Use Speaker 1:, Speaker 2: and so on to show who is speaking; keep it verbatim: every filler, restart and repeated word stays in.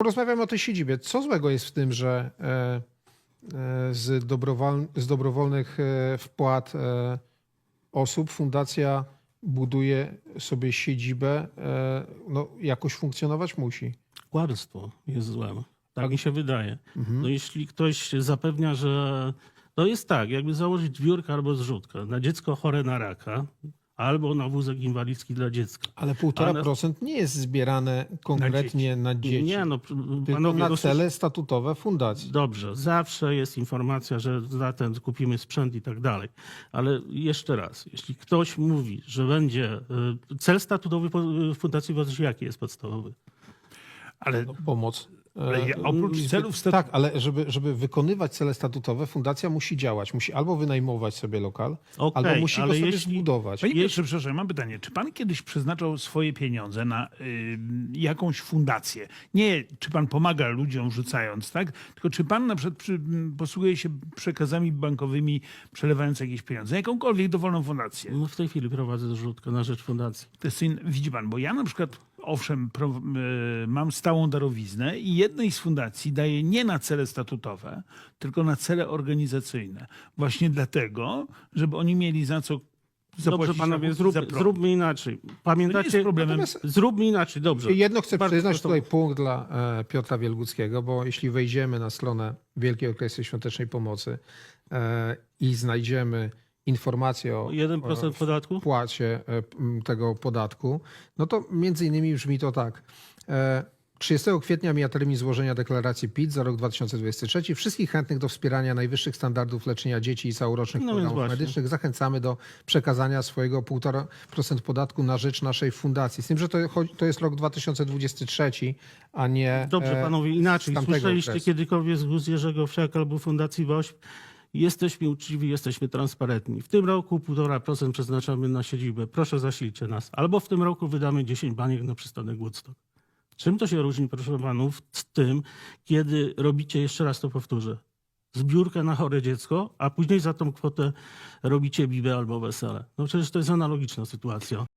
Speaker 1: rozmawiamy o tej siedzibie. Co złego jest w tym, że e, e, z, dobrowol, z dobrowolnych e, wpłat e, osób fundacja buduje sobie siedzibę, e, no jakoś funkcjonować musi.
Speaker 2: Kłamstwo jest złem. Tak mi się wydaje.
Speaker 1: Mhm.
Speaker 2: No jeśli ktoś zapewnia, że to jest tak, jakby założyć zbiórkę albo zrzutkę na dziecko chore na raka, albo na wózek inwalidzki dla dziecka.
Speaker 1: Ale półtora
Speaker 2: Ale-
Speaker 1: procent nie jest zbierane konkretnie na dzieci,
Speaker 2: Nie, no
Speaker 1: tylko
Speaker 2: panowie,
Speaker 1: na
Speaker 2: dosyć-
Speaker 1: cele statutowe fundacji.
Speaker 2: Dobrze, zawsze jest informacja, że za ten kupimy sprzęt i tak dalej. Ale jeszcze raz, jeśli ktoś mówi, że będzie y, cel statutowy po- fundacji Wodzy, jaki jest podstawowy?
Speaker 3: Ale,
Speaker 1: No, pomoc.
Speaker 3: ale ja,
Speaker 1: E,
Speaker 3: oprócz
Speaker 1: zbyt-
Speaker 3: celów statu...
Speaker 1: Tak, ale żeby, żeby wykonywać cele statutowe, fundacja musi działać. Musi albo wynajmować sobie lokal,
Speaker 2: Okej,
Speaker 1: albo musi go
Speaker 2: ale
Speaker 1: sobie
Speaker 2: jeśli-
Speaker 1: zbudować.
Speaker 3: Panie Piotrze, przepraszam, mam pytanie. Czy pan kiedyś przeznaczał swoje pieniądze na y, jakąś fundację? Nie, czy pan pomaga ludziom rzucając, tak? Tylko czy pan na przykład przy, m, posługuje się przekazami bankowymi, przelewając jakieś pieniądze? Jakąkolwiek dowolną fundację?
Speaker 2: No w tej chwili prowadzę zrzutkę na rzecz fundacji.
Speaker 3: To jest, in- widzi pan, bo ja na przykład, owszem, pro, y, mam stałą darowiznę i jednej z fundacji daję nie na cele statutowe, tylko na cele organizacyjne. Właśnie dlatego, żeby oni mieli za co zapłacić
Speaker 2: Dobrze, panowie,
Speaker 3: rachunki
Speaker 2: zrób,
Speaker 3: za prąd.
Speaker 2: zróbmy inaczej.
Speaker 3: To nie
Speaker 2: Pamiętacie?
Speaker 3: jest problemem.
Speaker 1: Natomiast
Speaker 2: Zróbmy inaczej, dobrze.
Speaker 1: jedno chcę
Speaker 2: Bardzo
Speaker 1: przyznać
Speaker 2: proszę.
Speaker 1: tutaj punkt dla e, Piotra Wielguckiego, bo jeśli wejdziemy na stronę Wielkiej Orkiestry Świątecznej Pomocy e, i znajdziemy informację o,
Speaker 2: jeden procent
Speaker 1: o
Speaker 2: podatku?
Speaker 1: wpłacie e, m, tego podatku, no to między innymi brzmi to tak. E, trzydziestego kwietnia mija termin złożenia deklaracji P I T za rok dwa tysiące dwudziesty trzeci. Wszystkich chętnych do wspierania najwyższych standardów leczenia dzieci i całorocznych
Speaker 2: No więc
Speaker 1: programów
Speaker 2: właśnie.
Speaker 1: medycznych zachęcamy do przekazania swojego półtora procent podatku na rzecz naszej fundacji. Z tym, że to, chodzi- to jest rok dwa tysiące dwudziesty trzeci, a nie
Speaker 2: Dobrze,
Speaker 1: e,
Speaker 2: panowie, inaczej.
Speaker 1: z tamtego
Speaker 2: Słyszeliście
Speaker 1: okresu.
Speaker 2: kiedykolwiek z ust Jerzego Wszak albo Fundacji WOŚP? Jesteśmy uczciwi, jesteśmy transparentni. W tym roku półtora procent przeznaczamy na siedzibę. Proszę zasilcie nas. Albo w tym roku wydamy dziesięć baniek na przystanek Woodstock. Czym to się różni, proszę panów, z tym, kiedy robicie, jeszcze raz to powtórzę, zbiórkę na chore dziecko, a później za tą kwotę robicie bibę albo wesele? No przecież to jest analogiczna sytuacja.